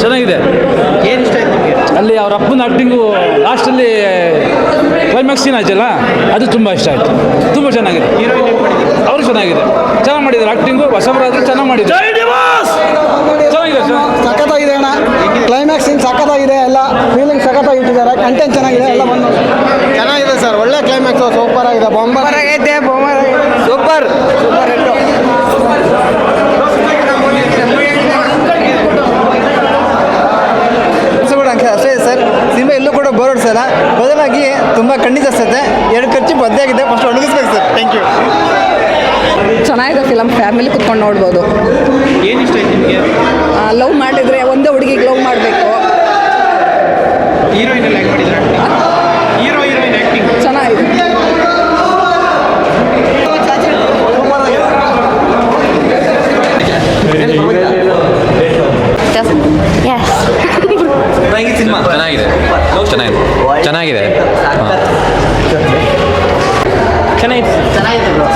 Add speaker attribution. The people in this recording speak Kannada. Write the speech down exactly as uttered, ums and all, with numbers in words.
Speaker 1: ಚೆನ್ನಾಗಿದೆ.
Speaker 2: ಏನು ಇಷ್ಟ ಆಯ್ತು ನಿಮಗೆ?
Speaker 1: ಅಲ್ಲಿ ಅವ್ರ ಅಪ್ಪನ ಆ್ಯಕ್ಟಿಂಗು ಲಾಸ್ಟಲ್ಲಿ ಕ್ಲೈಮ್ಯಾಕ್ಸ್ ಸೀನ್ ಆಯ್ತಲ್ಲ, ಅದು ತುಂಬ ಇಷ್ಟ ಆಯಿತು. ತುಂಬ ಚೆನ್ನಾಗಿದೆ.
Speaker 2: ಹೀರೋಯಿನ್ ಏನು ಮಾಡಿದ್ದೀವಿ?
Speaker 1: ಅವರು ಚೆನ್ನಾಗಿದೆ, ಚೆನ್ನಾಗಿ ಮಾಡಿದ್ದಾರೆ ಆ್ಯಕ್ಟಿಂಗು. ಹೊಸಬರಾದರೂ ಚೆನ್ನಾಗಿ ಮಾಡಿದ್ದಾರೆ. ಚೆನ್ನಾಗಿದೆ,
Speaker 3: ಸಖತ್ತಾಗಿದೆ ಅಣ್ಣ. ಕ್ಲೈಮ್ಯಾಕ್ಸ್ ಇನ್ ಸಖತ್ತಾಗಿದೆ, ಎಲ್ಲ ಫೀಲಿಂಗ್ ಸಖತ್ತಾಗಿ ಇಟ್ಟಿದ್ದಾರೆ, ಕಂಟೆಂಟ್ ಚೆನ್ನಾಗಿದೆ, ಎಲ್ಲ ಬಂದು ಚೆನ್ನಾಗಿದೆ ಸರ್. ಒಳ್ಳೆ ಕ್ಲೈಮ್ಯಾಕ್ಸ್, ಸೂಪರ್ ಆಗಿದೆ, ಬೊಂಬರ್ ಆಗೈತೆ, ಬೊಂಬರ್ ಸೂಪರ್ ಸೂಪರ್ ಹಿಟ್ಟು.
Speaker 4: ಅಷ್ಟೇ ಸರ್, ಸಿನಿಮಾ ಎಲ್ಲೂ ಕೂಡ ಬೋರ್ ಹೊಡ್ಸಲ್ಲ, ಬದಲಾಗಿ ತುಂಬ ಖಂಡಿತ ಅನಿಸುತ್ತೆ. ಎರಡು ಖರ್ಚು ಬದ್ದೇ ಆಗಿದೆ, ಫಸ್ಟ್ ಒಣಗಿಸ್ಬೇಕು ಸರ್. Thank you.
Speaker 5: ಚೆನ್ನಾಗಿದೆ ಫಿಲಮ್, ಫ್ಯಾಮಿಲಿ ಕುತ್ಕೊಂಡು ನೋಡ್ಬೋದು.
Speaker 2: ಏನು ಇಷ್ಟ ಆಯ್ತು ನಿಮಗೆ?
Speaker 5: ಲವ್ ಮಾಡಿದರೆ ಒಂದೇ ಹುಡುಗಿಗೆ ಲವ್ ಮಾಡಬೇಕು.
Speaker 2: ಹೀರೋಯಿನ್ ಎಲ್ಲ ಹೆಂಗೆ ಮಾಡಿದ್ರೆ? ಹೀರೋ ಹೀರೋಯಿನ್ ಆ್ಯಕ್ಟಿಂಗ್
Speaker 5: ಚೆನ್ನಾಗಿದೆ.
Speaker 6: ಸಿನಿಮಾ ಚೆನ್ನಾಗಿದೆ, ಚೆನ್ನಾಗಿದೆ ಚೆನ್ನಾಗಿದೆ
Speaker 2: ಚೆನ್ನಾಗಿತ್ತು.